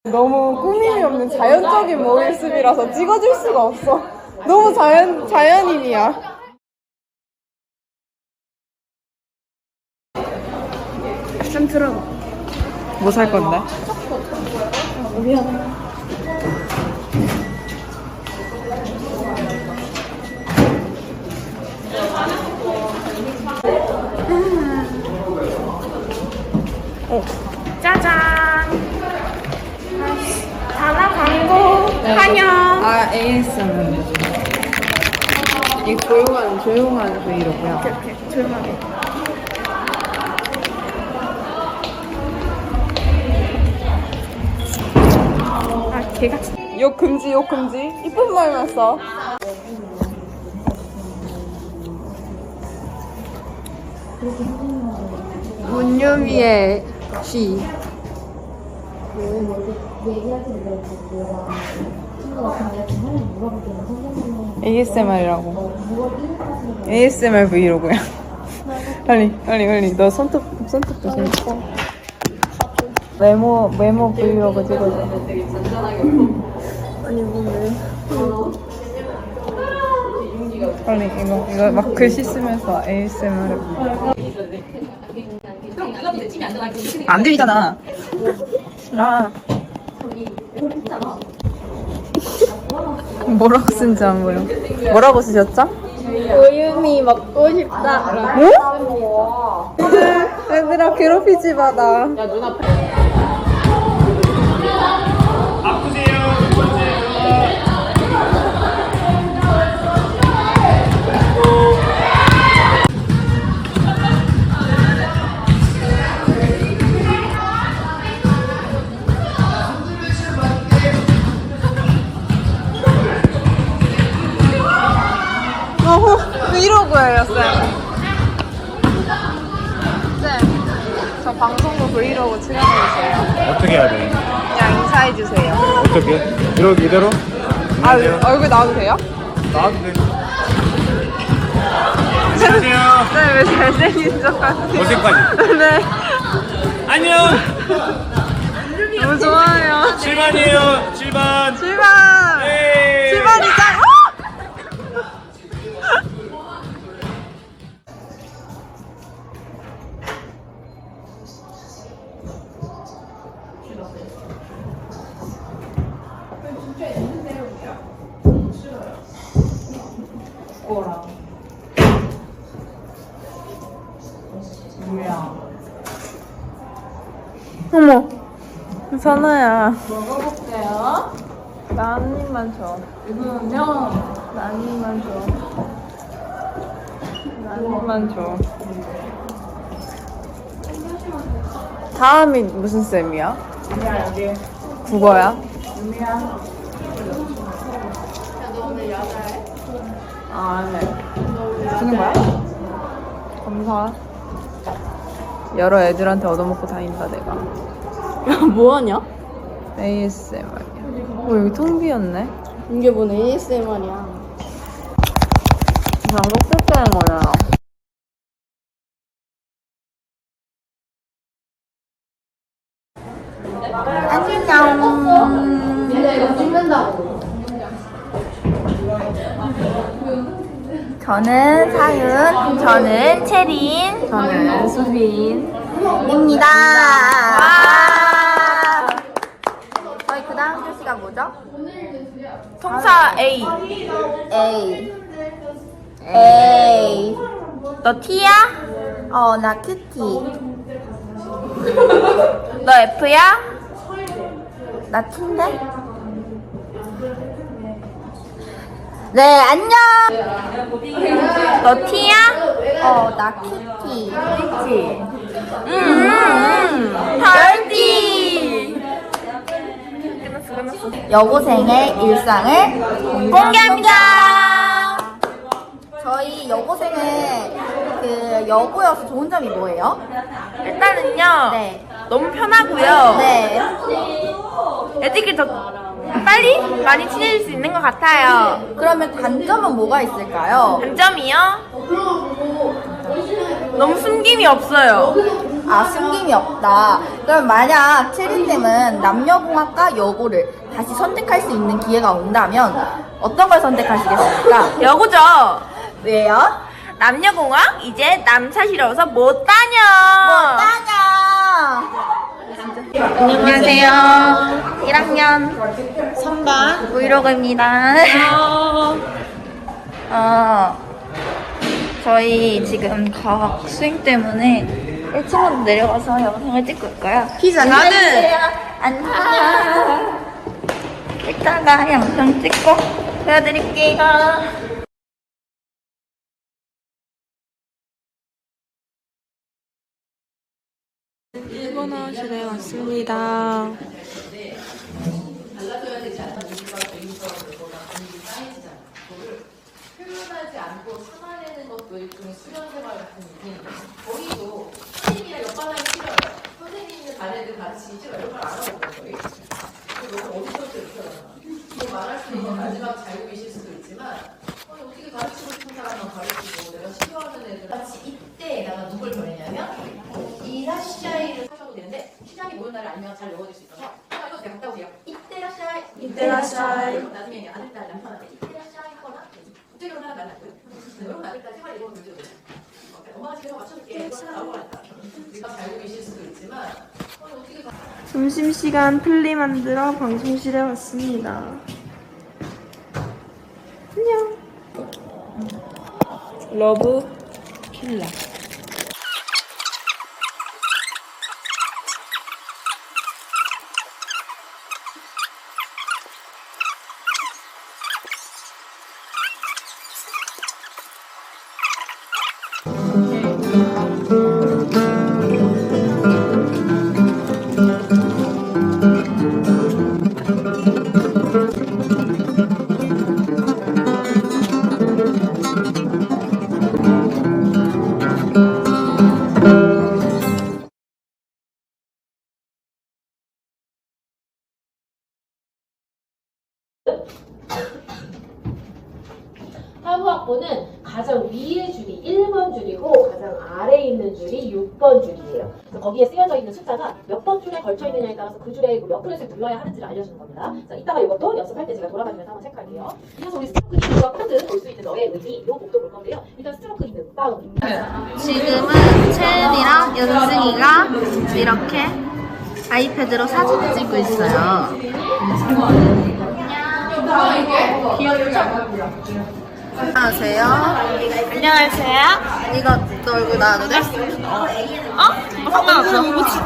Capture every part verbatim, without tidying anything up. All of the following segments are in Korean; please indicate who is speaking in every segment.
Speaker 1: 너무 꾸밈이 없는 자연적인 모습이라서 찍어줄 수가 없어. 너무 자연, 자연인이야. 좀 틀어봐. 뭐 살 건데? 미안해. 어. 짜잔! 다나 광고 환영! 아, 에이에스엠알. 이 조용한, 조용한 브이로그야. 오케이, 오케이. 조용하게. 아, 개같이. 욕 금지, 욕 금지. 이쁜 말만 써. 문유미의 시. 에이에스엠알이라고. 에이에스엠알 브이로그야. 빨리, 빨리, 빨리. 너 손톱, 손톱 조심. 메모, 메모 브이로그 찍어줘. 아니, 뭐, 빨리, 이거, 이거 막 글씨 쓰면서 에이에스엠알 해봐. 안 들리잖아. 아. 뭐라고 쓴지 안 보여. 뭐라고 쓰셨죠?
Speaker 2: 우유미 먹고 싶다.
Speaker 1: 뭐? 얘들아 괴롭히지 마 나.
Speaker 3: 아프세요.
Speaker 1: 어, 브이로그예요, 쌤. 쌤, 저 방송국 브이로그 출연해주세요.
Speaker 3: 어떻게 해야 돼?
Speaker 1: 그냥 인사해주세요.
Speaker 3: 어떻게? 이렇게 이대로?
Speaker 1: 아, 얼굴 나와도 돼요?
Speaker 3: 나와도 돼. 안녕하세요.
Speaker 1: 네, 왜 잘생긴 척 하세요?
Speaker 3: 어색하지?
Speaker 1: 네.
Speaker 3: 안녕.
Speaker 1: 너무 좋아요.
Speaker 3: 칠 반이에요. 칠 반.
Speaker 1: 출발!
Speaker 3: 에이.
Speaker 1: 출발이 짱! 어! 어머, 선아야.
Speaker 2: 먹어볼게요.
Speaker 1: 나 한 입만 줘.
Speaker 2: 이거는요.
Speaker 1: 나 한 입만 줘. 나 한 입만 줘. 다음이 무슨 쌤이야?
Speaker 2: 야, 여기.
Speaker 1: 국어야?
Speaker 2: 유미야.
Speaker 1: 아, 네. 주는 거야? 감사. 여러 애들한테 얻어먹고 다닌다, 내가.
Speaker 2: 야, 뭐하냐?
Speaker 1: 에이에스엠알이야. 어, 여기 텅 비었네?
Speaker 2: 이게 뭔 에이에스엠알이야.
Speaker 1: 그냥 녹색 되는 거잖아.
Speaker 2: 안녕. 얘네 이거 찍는다고.
Speaker 4: 저는 사윤, 저는 채린,
Speaker 1: 저는 수빈입니다.
Speaker 4: 와! 저희 그 다음 교시가 뭐죠?
Speaker 1: 통사 A.
Speaker 4: A. A. 너 T야? 어, 나 큐티. 너 F야? 나 T인데? 네, 안녕! 너 T야? 어, 나 큐티. 그치? 음, 음, 덜티! 여고생의 일상을 공개합니다! 저희 여고생은 그 여고여서 좋은 점이 뭐예요?
Speaker 5: 일단은요,
Speaker 4: 네.
Speaker 5: 너무 편하고요.
Speaker 4: 네.
Speaker 5: 애들끼리 더 빨리 많이 친해질 수 있는 것 같아요.
Speaker 4: 그러면 단점은 뭐가 있을까요?
Speaker 5: 단점이요? 너무 숨김이 없어요.
Speaker 4: 아, 숨김이 없다. 그럼 만약 체리쌤은 남녀공학과 여고를 다시 선택할 수 있는 기회가 온다면 어떤 걸 선택하시겠습니까?
Speaker 5: 여고죠.
Speaker 4: 왜요?
Speaker 5: 남녀공학 이제 남사 싫어서 못 다녀.
Speaker 4: 따냐!
Speaker 5: 안녕하세요. 일 학년 삼 반 브이로그입니다. 어, 저희 지금 과학 수행 때문에 일 층으로 내려가서 영상을 찍고 있고요.
Speaker 2: 피자 나는
Speaker 5: 안녕. 이따가 영상 찍고 보여드릴게요.
Speaker 1: 일본어실에 왔습니다.
Speaker 6: 표현하지 않고 참아내는 것도 일종의 수련 생활 같은 느낌이에요. 저희도 선생님이랑 옆반하기 싫어요. 선생님이 자네들 가르치기 싫어요. 이런 걸 알아보는 거예요. 너무 어디서부터 이렇게 하잖아. 뭐 말할 수 있는 마지막 자유이실 수도 있지만 아니, 어떻게 가르치고 싶은 사람만 가르치고 내가 싫어하는 애들 같이 이때 내가 누굴 보내냐면 이라시아이를 하셔도 되는데 시장이 모든 날을 알면 잘 외워질 수 있어서 아, 이거 제가 갔다 오세요. 이때라시아이 이때라시아이 나중에 아들, 딸, 남편한테 이때라시아이 하거나 국제결혼 하나 날랐고요. 이런 아들, 딸 생활 이런 문제도 엄마가 집에서 맞춰줄게. 이거 나오고 왔다. 우리가 잘 계실 수도 있지만 아니, 어떻게 가
Speaker 1: 점심시간 플리 만들어 방송실에 왔습니다. 안녕. 러브 필라.
Speaker 6: 사무학부는 가장 위의 줄이 일 번 줄이고 가장 아래에 있는 줄이 육 번 줄이에요. 그래서 거기에 쓰여져 있는 숫자가 몇 번 줄에 걸쳐 있느냐에 따라서 그 줄에 몇 분을 눌러야 하는지를 알려주는 겁니다. 자, 이따가 이것도 연습할 때 제가 돌아다니면서 한번 체크할게요. 이어서 우리 스트로크 이름과 코드 볼 수 있는 너의 의미 이 곡도 볼 건데요. 일단 스트로크 이름 다운입니다.
Speaker 5: 지금은 채은이랑 연승이가 이렇게 아이패드로 사진을 찍고 있어요. 안녕하세요. 안녕하세요. 이거 너 얼굴 나와도 돼? 어? 상관없어.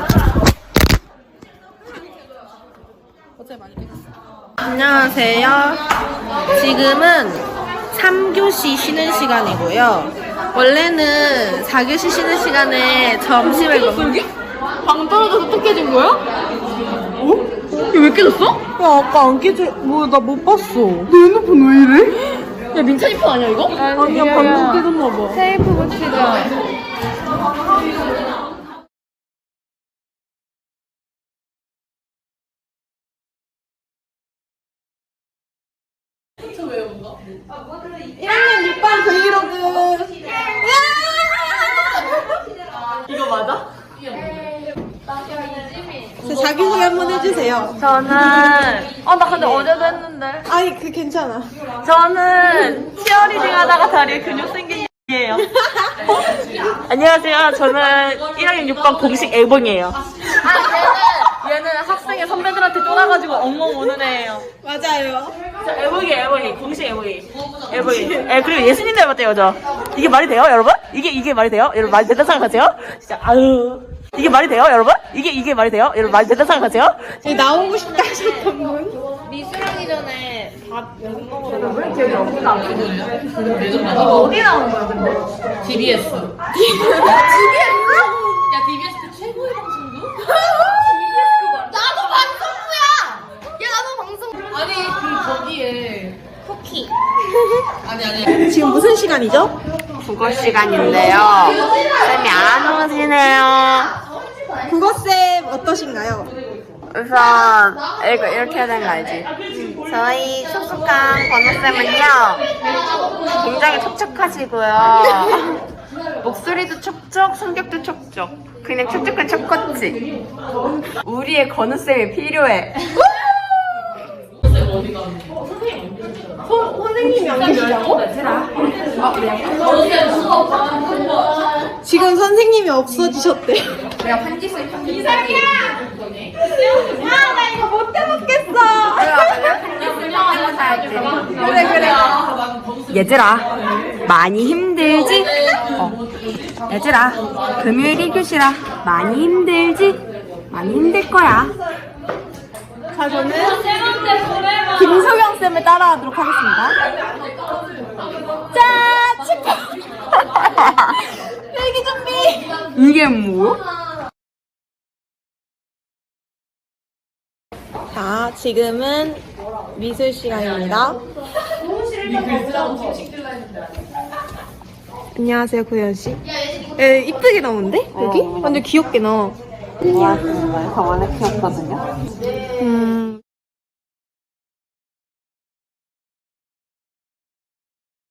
Speaker 1: 안녕하세요. 지금은 삼 교시 쉬는 시간이고요. 원래는 사 교시 쉬는 시간에 점심을 먹...
Speaker 2: 방 떨어져서 또 깨진 거야? 어?
Speaker 1: 이거 왜 깨졌어?
Speaker 2: 야 아까 안 깨져. 뭐 나 못 봤어. 내 핸드폰 왜 이래?
Speaker 1: 야 민찬이 폰 아니야 이거?
Speaker 2: 아니야 방금 깨졌나 봐.
Speaker 1: 테이프 붙이자.
Speaker 2: 일 학년 육 반 브이로그.
Speaker 1: 이거 맞아?
Speaker 2: 자기소개 한번 해주세요.
Speaker 5: 저는 어 나 근데 어제도 했는데
Speaker 2: 아니 그 괜찮아.
Speaker 5: 저는 치어리딩 하다가 다리에 근육 생긴 이에요. 안녕하세요. 저는 일 학년 육 반 공식 애봉이에요. 아 얘는 얘는 학생의 선배들한테 쫄아가지고 엉엉 우는 애예요.
Speaker 2: 맞아요.
Speaker 5: 저 애봉이 애봉이 공식 애봉이 애봉이. 에 그리고 예수님 닮았대요 저. 이게 말이 돼요 여러분? 이게 이게 말이 돼요? 여러분 말이 된다 생각하세요? 진짜 아유. 이게 말이 돼요, 여러분? 이게 이게 말이 돼요? 여러분 말이 된다 생각하세요?
Speaker 2: 나오고 싶다 하셨던 분?
Speaker 1: 미술하기 전에 밥 먹으러
Speaker 5: 왜 기억이 없나? 이거 어디 나오는 거야, 근데?
Speaker 6: 디비에스.
Speaker 5: 디비에스?
Speaker 6: 야 디비에스 그 최고의 방송도?
Speaker 5: 나도 방송부야! 야, 나도 방송.
Speaker 6: 아니 그 거기에
Speaker 5: 쿠키.
Speaker 6: 아니 아니.
Speaker 2: 지금 무슨 시간이죠?
Speaker 5: 국어 시간인데요. 쌤이 안 오시네요.
Speaker 2: 국어쌤 어떠신가요?
Speaker 5: 우선 이거 이렇게 해야 되는 거 알지? 저희 촉촉한 번호쌤은요 굉장히 촉촉하시고요
Speaker 1: 목소리도 척척, 성격도 척척. 그냥 척척한 척같지. 우리의 건우쌤이 필요해. 선생님이 안 계시다고?
Speaker 2: 지금 선생님이 없어지셨대.
Speaker 1: 내가 편지 쓸 이상이야! 아, 나 이거 못 해먹겠어! 내가 편지 쓰려고 살지. 그래, 그래. 얘들아, 많이 힘들지? 어. 얘들아, 금요일 일 교시라 많이 힘들지? 많이 힘들 거야.
Speaker 2: 자, 저는 김소경 쌤을 따라하도록 하겠습니다.
Speaker 1: 짠! 축하!
Speaker 2: 필기 준비!
Speaker 1: 이게 뭐?
Speaker 2: 자, 지금은 미술 시간입니다. 안녕하세요, 고현 씨. 에, 이쁘게 나오는데? 여기? 완전 귀엽게 나와.
Speaker 5: 정말 정원에 키웠거든요.
Speaker 2: 음,